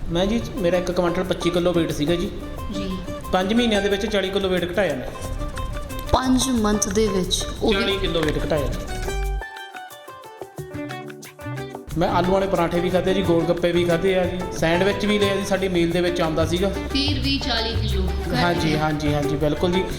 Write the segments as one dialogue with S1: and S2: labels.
S1: मैं जी मेरा 1 quintal 25 kilo weight ਸੀਗਾ ਜੀ
S2: ਜੀ
S1: 5 ਮਹੀਨਿਆਂ ਦੇ ਵਿੱਚ 40 ਕਿਲੋ weight ਘਟਾਇਆ ਮੈਂ
S2: 5 ਮੰਥ ਦੇ ਵਿੱਚ ਉਹ ਵੀ
S1: 40 ਕਿਲੋ weight ਘਟਾਇਆ ਜੀ। ਮੈਂ ਆਲੂ ਵਾਲੇ ਪਰਾਂਠੇ ਵੀ ਖਾਧੇ ਜੀ, ਗੋਲ ਗੱਪੇ ਵੀ ਖਾਧੇ ਆ ਜੀ, ਸੈਂਡਵਿਚ ਵੀ ਲਿਆ ਜੀ, ਸਾਡੀ ਮੀਲ ਦੇ ਵਿੱਚ ਆਉਂਦਾ ਸੀਗਾ।
S2: ਫਿਰ ਵੀ 40 ਕਿਲੋ
S1: ਹਾਂਜੀ ਹਾਂਜੀ ਹਾਂਜੀ ਬਿਲਕੁਲ ਜੀ।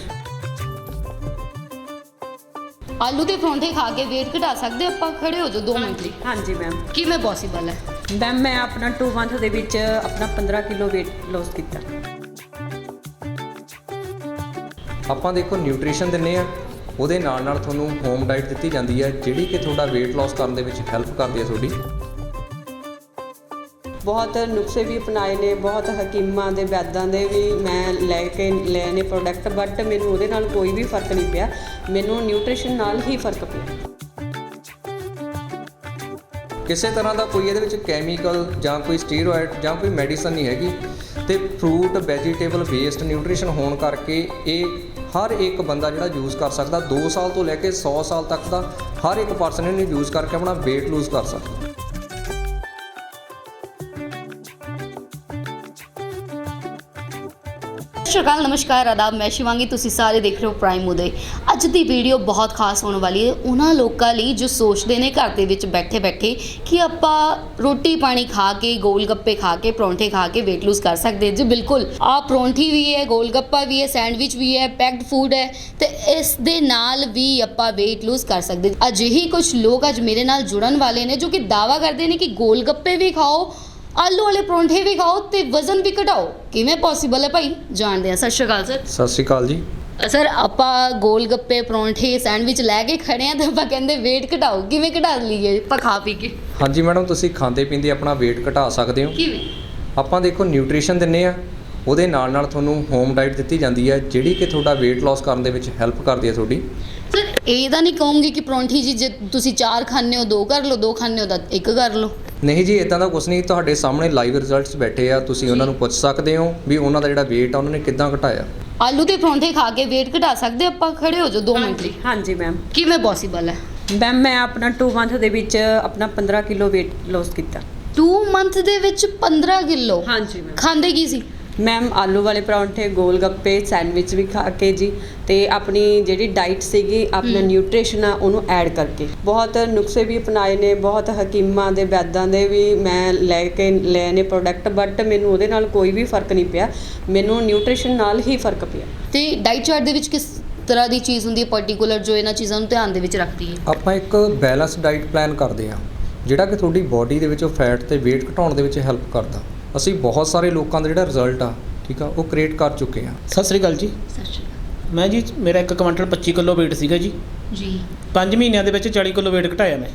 S2: ਆਲੂ ਦੇ ਪਰੌਂਠੇ ਖਾ ਕੇ weight ਘਟਾ ਸਕਦੇ ਆਪਾਂ? ਖੜੇ ਹੋ ਜਾਓ 2 ਮਿੰਟ ਲਈ।
S3: ਹਾਂਜੀ ਮੈਮ।
S2: ਕਿਵੇਂ ਪੋਸੀਬਲ ਹੈ?
S3: ਮੈਮ ਮੈਂ ਆਪਣਾ 2 ਮੰਥ ਦੇ ਵਿੱਚ ਆਪਣਾ 15 ਕਿਲੋ weight loss ਕੀਤਾ।
S4: ਆਪਾਂ ਦੇਖੋ ਨਿਊਟ੍ਰੀਸ਼ਨ ਦਿੰਦੇ ਆ, ਉਹਦੇ ਨਾਲ ਨਾਲ ਤੁਹਾਨੂੰ ਹੋਮ ਡਾਈਟ ਦਿੱਤੀ ਜਾਂਦੀ ਹੈ ਜਿਹੜੀ ਕਿ ਤੁਹਾਡਾ weight loss ਕਰਨ ਦੇ ਵਿੱਚ ਹੈਲਪ ਕਰਦੀ ਹੈ ਤੁਹਾਡੀ।
S3: ਬਹੁਤ ਨੁਸਖੇ ਵੀ ਅਪਣਾਏ ਨੇ, ਬਹੁਤ ਹਕੀਮਾਂ ਦੇ ਵੈਦਾਂ ਦੇ ਵੀ ਮੈਂ ਲੈ ਕੇ ਲਏ ਨੇ ਪ੍ਰੋਡਕਟ, ਬਟ ਮੈਨੂੰ ਉਹਦੇ ਨਾਲ ਕੋਈ ਵੀ ਫਰਕ ਨਹੀਂ ਪਿਆ। ਮੈਨੂੰ ਨਿਊਟ੍ਰੀਸ਼ਨ ਨਾਲ ਹੀ ਫਰਕ ਪਿਆ।
S4: ਕਿਸੇ ਤਰ੍ਹਾਂ ਦਾ ਕੋਈ ਇਹਦੇ ਵਿੱਚ ਕੈਮੀਕਲ ਜਾਂ ਕੋਈ ਸਟੀਰੋਇਡ ਜਾਂ ਕੋਈ ਮੈਡੀਸਨ ਨਹੀਂ ਹੈਗੀ ਤੇ ਫਰੂਟ ਵੈਜੀਟੇਬਲ ਬੇਸਡ ਨਿਊਟ੍ਰੀਸ਼ਨ ਹੋਣ ਕਰਕੇ ਇਹ ਹਰ ਇੱਕ ਬੰਦਾ ਜਿਹੜਾ ਯੂਜ਼ ਕਰ ਸਕਦਾ। 2 ਸਾਲ ਤੋਂ ਲੈ ਕੇ 100 ਸਾਲ ਤੱਕ ਦਾ ਹਰ ਇੱਕ ਪਰਸਨ ਇਹਨੂੰ ਯੂਜ਼ ਕਰਕੇ ਆਪਣਾ weight lose ਕਰ ਸਕਦਾ।
S2: ਸਤਿ ਸ਼੍ਰੀ ਅਕਾਲ, ਨਮਸਕਾਰ, ਆਦਾਬ। ਮੈਂ ਸ਼ਿਵਾਂਗੀ, ਤੁਸੀਂ ਸਾਰੇ ਦੇਖ ਰਹੇ ਹੋ ਪ੍ਰਾਈਮ ਉਦੇ। ਅੱਜ ਦੀ ਵੀਡੀਓ ਬਹੁਤ ਖਾਸ ਹੋਣ ਵਾਲੀ ਹੈ ਉਹਨਾਂ ਲੋਕਾਂ ਲਈ ਜੋ ਸੋਚਦੇ ਨੇ ਘਰ ਦੇ ਵਿੱਚ ਬੈਠੇ ਬੈਠੇ ਕਿ ਆਪਾਂ ਰੋਟੀ ਪਾਣੀ ਖਾ ਕੇ, ਗੋਲ ਗੱਪੇ ਖਾ ਕੇ, ਪਰੌਂਠੇ ਖਾ ਕੇ weight lose ਕਰ ਸਕਦੇ। ਜੀ ਬਿਲਕੁਲ, ਆਹ ਪਰੌਂਠੀ ਵੀ ਹੈ, ਗੋਲ ਗੱਪਾ ਵੀ ਹੈ, ਸੈਂਡਵਿਚ ਵੀ ਹੈ, ਪੈਕਡ ਫੂਡ ਹੈ ਤੇ ਇਸ ਦੇ ਨਾਲ ਵੀ ਆਪਾਂ weight lose ਕਰ ਸਕਦੇ। ਅਜਿਹੀ ਕੁਝ ਲੋਕ ਅੱਜ ਮੇਰੇ ਨਾਲ ਜੁੜਨ ਵਾਲੇ ਨੇ ਜੋ ਕਿ ਦਾਅਵਾ ਕਰਦੇ ਨੇ ਕਿ ਗੋਲ ਗੱਪੇ ਵੀ ਖਾਓ, ਆਲੂ ਵਾਲੇ ਪਰੌਂਠੇ ਵੀ ਖਾਓ ਤੇ ਵਜ਼ਨ ਵੀ ਘਟਾਓ। ਕਿਵੇਂ ਪੋਸੀਬਲ ਹੈ ਭਾਈ? ਜਾਣਦੇ ਹਾਂ। ਸਤਿ ਸ਼੍ਰੀ ਅਕਾਲ ਸਰ।
S4: ਸਤਿ ਸ਼੍ਰੀ ਅਕਾਲ ਜੀ।
S2: ਸਰ, ਆਪਾਂ ਗੋਲ ਗੱਪੇ, ਪਰੌਂਠੇ, ਸੈਂਡਵਿਚ ਲੈ ਕੇ ਖੜੇ ਆ ਤੇ ਆਪਾਂ ਕਹਿੰਦੇ weight ਘਟਾਓ। ਕਿਵੇਂ ਘਟਾ ਲਈਏ ਆਪਾਂ ਖਾ ਪੀ ਕੇ?
S4: ਹਾਂਜੀ ਮੈਡਮ, ਤੁਸੀਂ ਖਾਂਦੇ ਪੀਂਦੇ ਆਪਣਾ weight ਘਟਾ ਸਕਦੇ ਹੋ।
S2: ਕਿਵੇਂ?
S4: ਆਪਾਂ ਦੇਖੋ ਨਿਊਟ੍ਰੀਸ਼ਨ ਦਿੰਦੇ ਆ, ਉਹਦੇ ਨਾਲ ਨਾਲ ਤੁਹਾਨੂੰ ਹੋਮ ਡਾਈਟ ਦਿੱਤੀ ਜਾਂਦੀ ਹੈ ਜਿਹੜੀ ਕਿ ਤੁਹਾਡਾ weight loss ਕਰਨ ਦੇ ਵਿੱਚ ਹੈਲਪ ਕਰਦੀ ਹੈ ਤੁਹਾਡੀ।
S2: ਸਰ, ਇਹ ਤਾਂ ਨਹੀਂ ਕਹੂੰਗੀ ਕਿ ਪਰੌਂਠੀ ਜੀ ਜੇ ਤੁਸੀਂ 4 ਖਾਂਦੇ ਹੋ 2 ਕਰ ਲਓ, 2 ਖਾਂਦੇ ਹੋ ਤਾਂ 1 ਕਰ ਲਓ।
S4: ਨਹੀਂ ਜੀ, ਇਦਾਂ ਦਾ ਕੁਝ ਨਹੀਂ। ਤੁਹਾਡੇ ਸਾਹਮਣੇ ਲਾਈਵ ਰਿਜ਼ਲਟਸ ਬੈਠੇ ਆ, ਤੁਸੀਂ ਉਹਨਾਂ ਨੂੰ ਪੁੱਛ ਸਕਦੇ ਹੋ ਵੀ ਉਹਨਾਂ ਦਾ ਜਿਹੜਾ weight ਆ ਉਹਨਾਂ ਨੇ ਕਿੱਦਾਂ ਘਟਾਇਆ।
S2: ਆਲੂ ਦੇ ਪਰੌਂਠੇ ਖਾ ਕੇ weight ਘਟਾ ਸਕਦੇ ਆਪਾਂ? ਖੜੇ ਹੋ ਜਾਓ 2 ਮਿੰਟ ਲਈ।
S3: ਹਾਂਜੀ ਮੈਮ।
S2: ਕਿਵੇਂ ਪੋਸੀਬਲ ਹੈ?
S3: ਮੈਮ ਮੈਂ ਆਪਣਾ 2 ਮੰਥ ਦੇ ਵਿੱਚ ਆਪਣਾ 15 ਕਿਲੋ weight loss ਕੀਤਾ।
S2: 2 ਮੰਥ ਦੇ ਵਿੱਚ 15 ਕਿਲੋ?
S3: ਹਾਂਜੀ ਮੈਮ।
S2: ਖਾਂਦੇ ਕੀ ਸੀ?
S3: ਮੈਮ ਆਲੂ ਵਾਲੇ ਪਰੌਂਠੇ, ਗੋਲ ਗੱਪੇ, ਸੈਂਡਵਿਚ ਵੀ ਖਾ ਕੇ ਜੀ, ਤੇ ਆਪਣੀ ਜਿਹੜੀ ਡਾਈਟ ਸੀਗੀ ਆਪਣਾ ਨਿਊਟ੍ਰੀਸ਼ਨ ਆ ਉਹਨੂੰ ਐਡ ਕਰਕੇ। ਬਹੁਤ ਨੁਸਖੇ ਵੀ ਅਪਣਾਏ ਨੇ, ਬਹੁਤ ਹਕੀਮਾਂ ਦੇ ਵੈਦਾਂ ਦੇ ਵੀ ਮੈਂ ਲੈ ਕੇ ਲਏ ਨੇ ਪ੍ਰੋਡਕਟ, ਬਟ ਮੈਨੂੰ ਉਹਦੇ ਨਾਲ ਕੋਈ ਵੀ ਫਰਕ ਨਹੀਂ ਪਿਆ। ਮੈਨੂੰ ਨਿਊਟ੍ਰੀਸ਼ਨ ਨਾਲ ਹੀ ਫਰਕ ਪਿਆ।
S2: ਤੇ ਡਾਈਟ ਚਾਰਟ ਦੇ ਵਿੱਚ ਕਿਸ ਤਰ੍ਹਾਂ ਦੀ ਚੀਜ਼ ਹੁੰਦੀ ਹੈ ਪਾਰਟਿਕੂਲਰ ਜੋ ਇਹਨਾਂ ਚੀਜ਼ਾਂ ਨੂੰ ਧਿਆਨ ਦੇ ਵਿੱਚ ਰੱਖਦੀ ਹੈ?
S4: ਆਪਾਂ ਇੱਕ ਬੈਲੈਂਸ ਡਾਈਟ ਪਲਾਨ ਕਰਦੇ ਹਾਂ ਜਿਹੜਾ ਕਿ ਤੁਹਾਡੀ ਬਾਡੀ ਦੇ ਵਿੱਚੋਂ ਫੈਟ ਤੇ weight ਘਟਾਉਣ ਦੇ ਵਿੱਚ ਹੈਲਪ ਕਰਦਾ। ਅਸੀਂ ਬਹੁਤ ਸਾਰੇ ਲੋਕਾਂ ਦਾ ਜਿਹੜਾ ਰਿਜ਼ਲਟ ਆ, ਠੀਕ ਆ, ਉਹ ਕ੍ਰੀਏਟ ਕਰ ਚੁੱਕੇ ਹਾਂ।
S1: ਸਤਿ ਸ੍ਰੀ ਅਕਾਲ ਜੀ।
S2: ਸਤਿ ਸ਼੍ਰੀ ਅਕਾਲ
S1: ਮੈਂ ਜੀ ਮੇਰਾ 1 ਕੁਇੰਟਲ 25 ਕਿਲੋ weight ਸੀਗਾ ਜੀ
S2: ਜੀ।
S1: 5 ਮਹੀਨਿਆਂ ਦੇ ਵਿੱਚ 40 ਕਿਲੋ weight ਘਟਾਇਆ ਮੈਂ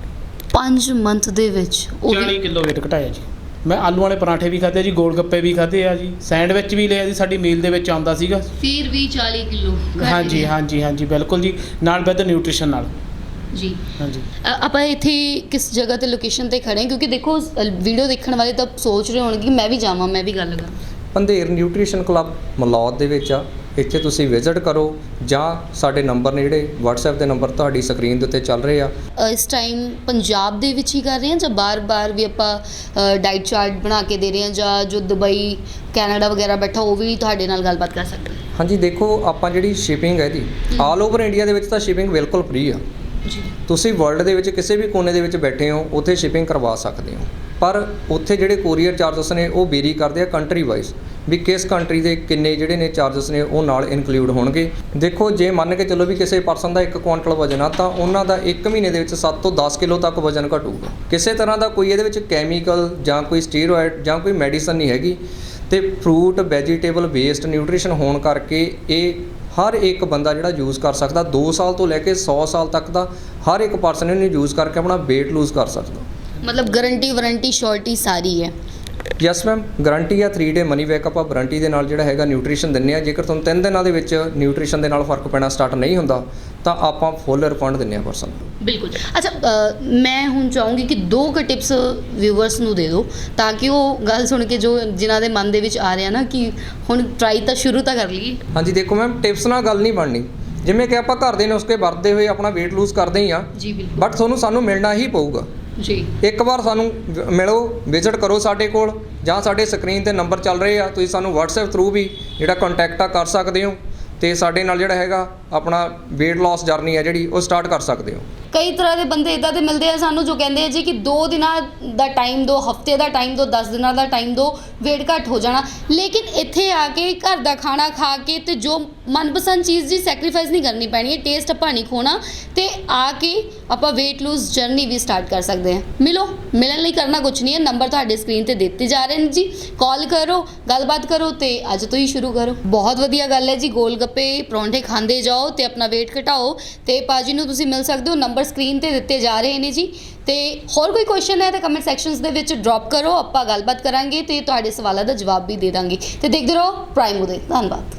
S2: 5 ਮੰਥ ਦੇ ਵਿੱਚ ਉਹ ਵੀ
S1: 40 ਕਿਲੋ weight ਘਟਾਇਆ ਜੀ। ਮੈਂ ਆਲੂ ਵਾਲੇ ਪਰਾਂਠੇ ਵੀ ਖਾਧੇ ਜੀ, ਗੋਲ ਗੱਪੇ ਵੀ ਖਾਧੇ ਆ ਜੀ, ਸੈਂਡਵਿਚ ਵੀ ਲਿਆ ਜੀ, ਸਾਡੀ ਮੀਲ ਦੇ ਵਿੱਚ ਆਉਂਦਾ ਸੀਗਾ।
S2: ਫਿਰ ਵੀ 40 ਕਿਲੋ
S1: ਹਾਂਜੀ ਹਾਂਜੀ ਹਾਂਜੀ ਬਿਲਕੁਲ ਜੀ, ਨਾਲ ਵਿਦ ਨਿਊਟ੍ਰੀਸ਼ਨ ਨਾਲ
S2: ਜੀ।
S1: ਹਾਂਜੀ।
S2: ਆਪਾਂ ਇੱਥੇ ਕਿਸ ਜਗ੍ਹਾ ਤੇ ਲੋਕੇਸ਼ਨ ਤੇ ਖੜੇ ਹਾਂ? ਕਿਉਂਕਿ ਦੇਖੋ ਵੀਡੀਓ ਦੇਖਣ ਵਾਲੇ ਤਾਂ ਸੋਚ ਰਹੇ ਹੋਣਗੇ ਮੈਂ ਵੀ ਜਾਵਾਂ, ਮੈਂ ਵੀ ਗੱਲ ਕਰਾਂ।
S4: ਪੰਧੇਰ ਨਿਊਟ੍ਰੀਸ਼ਨ ਕਲੱਬ ਮਲੌਦ ਦੇ ਵਿੱਚ ਆ। ਇੱਥੇ ਤੁਸੀਂ ਵਿਜ਼ਿਟ ਕਰੋ ਜਾਂ ਸਾਡੇ ਨੰਬਰ ਨੇ ਜਿਹੜੇ WhatsApp ਦੇ ਨੰਬਰ ਤੁਹਾਡੀ ਸਕਰੀਨ ਦੇ ਉੱਤੇ ਚੱਲ ਰਹੇ ਆ।
S2: ਇਸ ਟਾਈਮ ਪੰਜਾਬ ਦੇ ਵਿੱਚ ਹੀ ਕਰ ਰਹੇ ਹਾਂ ਜਾਂ ਬਾਰ-ਬਾਰ ਵੀ ਆਪਾਂ ਡਾਈਟ ਚਾਰਟ ਬਣਾ ਕੇ ਦੇ ਰਹੇ ਹਾਂ, ਜਾਂ ਜੋ ਦੁਬਈ, ਕੈਨੇਡਾ ਵਗੈਰਾ ਬੈਠਾ ਉਹ ਵੀ ਤੁਹਾਡੇ ਨਾਲ ਗੱਲਬਾਤ ਕਰ ਸਕਦਾ?
S4: ਹਾਂਜੀ, ਦੇਖੋ ਆਪਾਂ ਜਿਹੜੀ ਸ਼ਿਪਿੰਗ ਹੈ ਇਹਦੀ ਆਲ ਓਵਰ ਇੰਡੀਆ ਦੇ ਵਿੱਚ ਤਾਂ ਸ਼ਿਪਿੰਗ ਬਿਲਕੁਲ ਫ੍ਰੀ ਆ।
S2: ਜੀ।
S4: ਤੁਸੀਂ ਵਰਲਡ ਦੇ ਵਿੱਚ ਕਿਸੇ ਵੀ ਕੋਨੇ ਦੇ ਵਿੱਚ ਬੈਠੇ ਹੋ ਉੱਥੇ ਸ਼ਿਪਿੰਗ ਕਰਵਾ ਸਕਦੇ ਹੋ, ਪਰ ਉੱਥੇ ਜਿਹੜੇ ਕੋਰੀਅਰ ਚਾਰਜਸ ਨੇ ਉਹ ਵੇਰੀ ਕਰਦੇ ਆ ਕੰਟਰੀ ਵਾਈਜ਼, ਵੀ ਕਿਸ ਕੰਟਰੀ ਦੇ ਕਿੰਨੇ ਜਿਹੜੇ ਨੇ ਚਾਰਜਸ ਨੇ ਉਹ ਨਾਲ ਇਨਕਲੂਡ ਹੋਣਗੇ। ਦੇਖੋ, ਜੇ ਮੰਨ ਕੇ ਚੱਲੋ ਵੀ ਕਿਸੇ ਪਰਸਨ ਦਾ 1 ਕੁਇੰਟਲ ਵਜ਼ਨ ਆ ਤਾਂ ਉਹਨਾਂ ਦਾ 1 ਮਹੀਨੇ ਦੇ ਵਿੱਚ 7 ਤੋਂ 10 ਕਿਲੋ ਤੱਕ ਵਜ਼ਨ ਘਟੂਗਾ। ਕਿਸੇ ਤਰ੍ਹਾਂ ਦਾ ਕੋਈ ਇਹਦੇ ਵਿੱਚ ਕੈਮੀਕਲ ਜਾਂ ਕੋਈ ਸਟੀਰੋਇਡ ਜਾਂ ਕੋਈ ਮੈਡੀਸਨ ਨਹੀਂ ਹੈਗੀ ਤੇ ਫਰੂਟ ਵੈਜੀਟੇਬਲ ਬੇਸਡ ਨਿਊਟ੍ਰੀਸ਼ਨ ਹੋਣ ਕਰਕੇ ਇਹ ਹਰ ਇੱਕ ਬੰਦਾ ਜਿਹੜਾ ਯੂਜ਼ ਕਰ ਸਕਦਾ। 2 ਸਾਲ ਤੋਂ ਲੈ ਕੇ 100 ਸਾਲ ਤੱਕ ਦਾ ਹਰ ਇੱਕ ਪਰਸਨ ਇਹਨੂੰ ਯੂਜ਼ ਕਰਕੇ ਆਪਣਾ weight lose ਕਰ ਸਕਦਾ।
S2: ਮਤਲਬ ਗਾਰੰਟੀ ਵਾਰੰਟੀ ਸ਼ੋਰਟੀ ਸਾਰੀ ਹੈ?
S4: ਯੈਸ ਮੈਮ, ਗਾਰੰਟੀ ਆ। 3 ਡੇ ਮਨੀ ਬੈਕ ਆਪਾਂ ਵਾਰੰਟੀ ਦੇ ਨਾਲ ਜਿਹੜਾ ਹੈਗਾ ਨਿਊਟ੍ਰੀਸ਼ਨ ਦਿੰਦੇ ਆ। ਜੇਕਰ ਤੁਹਾਨੂੰ 3 ਦਿਨਾਂ ਦੇ ਵਿੱਚ ਨਿਊਟ੍ਰੀਸ਼ਨ ਦੇ ਨਾਲ ਫਰਕ ਪੈਣਾ ਸਟਾਰਟ ਨਹੀਂ ਹੁੰਦਾ ਤਾਂ ਆਪਾਂ ਫੁੱਲ ਰਿਫੰਡ ਦਿੰਦੇ ਆ ਪਰਸਨ ਨੂੰ।
S2: ਬਿਲਕੁਲ। ਅੱਛਾ, ਮੈਂ ਹੁਣ ਚਾਹੂੰਗੀ ਕਿ 2 ਟਿਪਸ ਵਿਊਵਰਸ ਨੂੰ ਦੇ ਦਿਓ ਤਾਂ ਕਿ ਉਹ ਗੱਲ ਸੁਣ ਕੇ ਜੋ ਜਿਨ੍ਹਾਂ ਦੇ ਮਨ ਦੇ ਵਿੱਚ ਆ ਰਿਹਾ ਨਾ ਕਿ ਹੁਣ ਟਰਾਈ ਤਾਂ ਸ਼ੁਰੂ ਤਾਂ ਕਰ ਲਈਏ।
S4: ਹਾਂਜੀ, ਦੇਖੋ ਮੈਮ, ਟਿਪਸ ਨਾਲ ਗੱਲ ਨਹੀਂ ਬਣਨੀ। ਜਿਵੇਂ ਕਿ ਆਪਾਂ ਘਰ ਦੇ ਨੁਸਖੇ ਵਰਤਦੇ ਹੋਏ ਆਪਣਾ weight lose ਕਰਦੇ ਹੀ ਆ
S2: ਜੀ। ਬਿਲਕੁਲ।
S4: ਬਟ ਸਾਨੂੰ ਮਿਲਣਾ ਹੀ ਪਊਗਾ।
S2: ਜੀ।
S4: ਇੱਕ ਵਾਰ ਸਾਨੂੰ ਮਿਲੋ, ਵਿਜ਼ਿਟ ਕਰੋ ਸਾਡੇ ਕੋਲ, ਜਾਂ ਸਾਡੇ ਸਕਰੀਨ ਤੇ ਨੰਬਰ ਚੱਲ ਰਹੇ ਆ, ਤੁਸੀਂ ਸਾਨੂੰ WhatsApp ਥਰੂ ਵੀ ਜਿਹੜਾ ਕੰਟੈਕਟ ਕਰ ਸਕਦੇ ਹੋ ਤੇ ਸਾਡੇ ਨਾਲ ਜਿਹੜਾ ਹੈਗਾ ਆਪਣਾ weight loss ਜਰਨੀ ਹੈ ਜਿਹੜੀ ਉਹ ਸਟਾਰਟ ਕਰ ਸਕਦੇ ਹੋ।
S2: ਕਈ ਤਰ੍ਹਾਂ ਦੇ ਬੰਦੇ ਇਦਾਂ ਦੇ ਮਿਲਦੇ ਆ ਸਾਨੂੰ ਜੋ ਕਹਿੰਦੇ ਆ ਜੀ ਕਿ 2 ਦਿਨਾਂ ਦਾ ਟਾਈਮ ਦਿਓ, ਹਫਤੇ ਦਾ ਟਾਈਮ ਦਿਓ, 10 ਦਿਨਾਂ ਦਾ ਟਾਈਮ ਦਿਓ, weight ਘੱਟ ਹੋ ਜਾਣਾ। ਲੇਕਿਨ ਇੱਥੇ ਆ ਕੇ ਘਰ ਦਾ ਖਾਣਾ ਖਾ ਕੇ ਤੇ ਜੋ ਮਨਪਸੰਦ ਚੀਜ਼ ਦੀ ਸੈਕਰੀਫਾਈਸ ਨਹੀਂ ਕਰਨੀ ਪੈਣੀ ਹੈ, ਟੇਸਟ ਆਪਾਂ ਨਹੀਂ ਖੋਣਾ ਤੇ ਆ ਕੇ ਆਪਾਂ weight lose ਜਰਨੀ ਵੀ ਸਟਾਰਟ ਕਰ ਸਕਦੇ ਹਾਂ। ਮਿਲਣ ਲਈ ਕਰਨਾ ਕੁਝ ਨਹੀਂ ਹੈ, ਨੰਬਰ ਤੁਹਾਡੇ ਸਕਰੀਨ ਤੇ ਦਿੱਤੇ ਜਾ ਰਹੇ ਨੇ ਜੀ, ਕਾਲ ਕਰੋ, ਗੱਲਬਾਤ ਕਰੋ ਤੇ ਅੱਜ ਤੋਂ ਹੀ ਸ਼ੁਰੂ ਕਰੋ। ਬਹੁਤ ਵਧੀਆ ਗੱਲ ਹੈ ਜੀ, ਗੋਲ ਗੱਪੇ ਪਰੌਂਠੇ ਖਾਂਦੇ ਜਾਓ ਤੇ ਆਪਣਾ weight ਘਟਾਓ ਤੇ ਭਾਜੀ ਨੂੰ ਤੁਸੀਂ ਮਿਲ ਸਕਦੇ ਹੋ, ਨੰਬਰ ਸਕਰੀਨ ਤੇ ਦਿੱਤੇ ਜਾ ਰਹੇ ਨੇ ਜੀ। ਤੇ ਹੋਰ ਕੋਈ ਕੁਐਸਚਨ ਹੈ ਤਾਂ ਕਮੈਂਟ ਸੈਕਸ਼ਨਸ ਦੇ ਵਿੱਚ ਡ੍ਰੌਪ ਕਰੋ, ਆਪਾਂ ਗੱਲਬਾਤ ਕਰਾਂਗੇ ਤੇ ਤੁਹਾਡੇ ਸਵਾਲਾਂ ਦਾ ਜਵਾਬ ਵੀ ਦੇ ਦਾਂਗੇ। ਤੇ ਦੇਖਦੇ ਰਹੋ ਪ੍ਰਾਈਮ ਉਦੇ। ਧੰਨਵਾਦ।